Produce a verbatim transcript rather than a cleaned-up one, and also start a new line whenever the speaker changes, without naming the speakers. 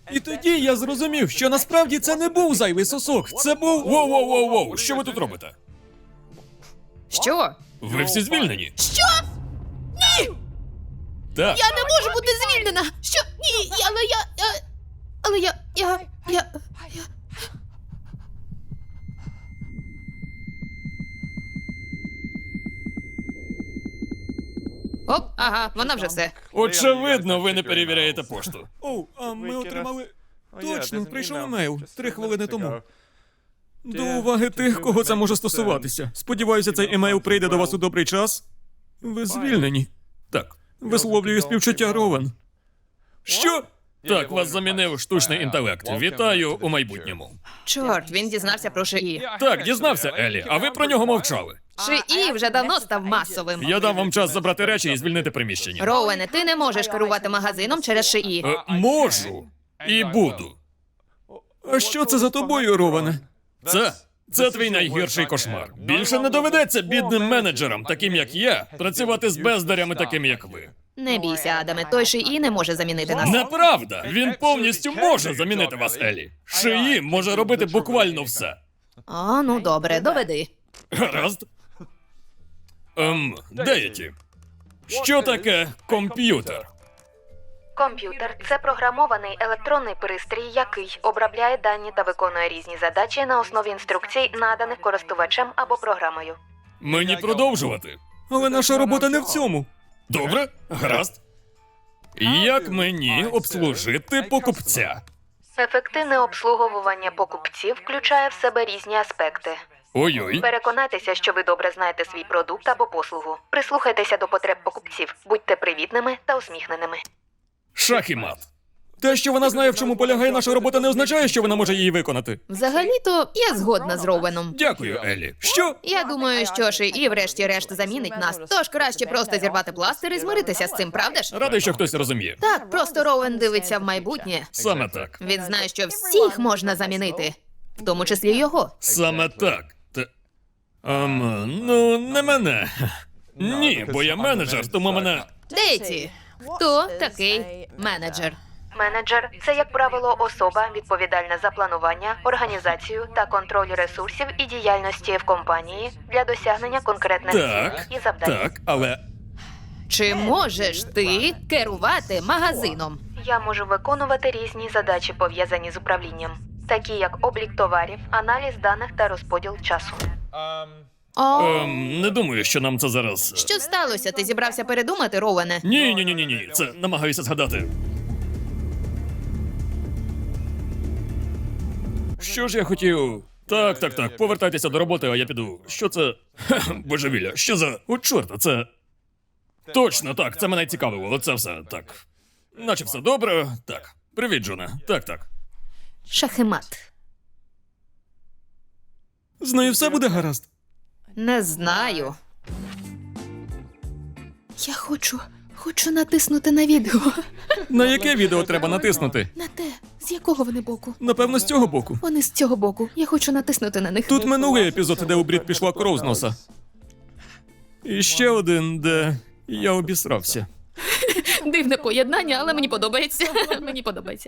І тоді я зрозумів, що насправді це не був зайвий сосок, це був...
Воу-воу-воу-воу, що ви тут робите?
Що?
Ви всі звільнені?
Що?
Так.
Я не можу бути звільнена! Що? Ні, але я... я... Але я... я... я... я... Оп, ага, вона вже все.
Очевидно, ви не перевіряєте пошту.
Оу, а ми отримали... Точно, прийшов емейл три хвилини тому. До уваги тих, кого це може стосуватися. Сподіваюся, цей емейл прийде до вас у добрий час. Ви звільнені.
Так.
Висловлюю співчуття, Ровен.
Що? Так, вас замінив штучний інтелект. Вітаю у майбутньому.
Чорт, він дізнався про ШІ.
Так, дізнався, Елі, а ви про нього мовчали.
ШІ вже давно став масовим.
Я дам вам час забрати речі і звільнити приміщення.
Роуене, ти не можеш керувати магазином через ШІ.
Е, можу. І буду.
А що це за тобою, Ровене?
Це? Це твій найгірший кошмар. Більше не доведеться бідним менеджерам, таким як я, працювати з бездарями, такими як ви.
Не бійся, Адаме, той ШІ не може замінити нас.
Неправда! Він повністю може замінити вас, Елі. Шиї може робити буквально все.
А, ну добре, доведи.
Гаразд. Ем, де я ті? Що таке комп'ютер?
Комп'ютер – це програмований електронний пристрій, який обробляє дані та виконує різні задачі на основі інструкцій, наданих користувачем або програмою.
Мені продовжувати.
Але наша робота не в цьому.
Добре? Гаразд. Як мені обслужити покупця?
Ефективне обслуговування покупців включає в себе різні аспекти.
Ой-ой.
Переконайтеся, що ви добре знаєте свій продукт або послугу. Прислухайтеся до потреб покупців, будьте привітними та усміхненими.
Шах і мат.
Те, що вона знає, в чому полягає наша робота, не означає, що вона може її виконати.
Взагалі-то я згодна з Роуеном.
Дякую, Елі. Що?
Я думаю, що ШІ врешті-решт замінить нас. Тож краще просто зірвати пластир і змиритися з цим, правда ж?
Радий, що хтось розуміє.
Так, просто Роуен дивиться в майбутнє.
Саме так.
Він знає, що всіх можна замінити, в тому числі його.
Саме так. Та... Ем, ну, не мене. Ні, бо я менеджер, тому мене...
Дейті, хто такий менеджер?
Менеджер – це, як правило, особа, відповідальна за планування, організацію та контроль ресурсів і діяльності в компанії для досягнення конкретних
Так,
цілей і завдань.
так, але...
Чи можеш ти керувати магазином?
Я можу виконувати різні задачі, пов'язані з управлінням, такі як облік товарів, аналіз даних та розподіл часу.
О,
Ем, не думаю, що нам це зараз...
що сталося? Ти зібрався передумати, Роуене?
Ні, ні, ні, ні, ні. Це намагаюся згадати. Що ж я хотів? Так, так, так. Повертайтеся до роботи, а я піду. Що це? Ха, божевілля. Що за. О, чорта, це. Точно, так, це мене цікавило. Оце все так. Наче все добре. Так. Привіт, Джоне. Так, так.
Шахемат.
З нею все буде гаразд.
Не знаю. Я хочу, хочу натиснути на відео.
На яке відео треба натиснути?
На те, з якого вони боку?
Напевно, з цього боку.
Вони з цього боку. Я хочу натиснути на них.
Тут минулий епізод, де у Брід пішла кров з носа. І ще один, де я обісрався.
Дивне поєднання, але мені подобається. Мені подобається.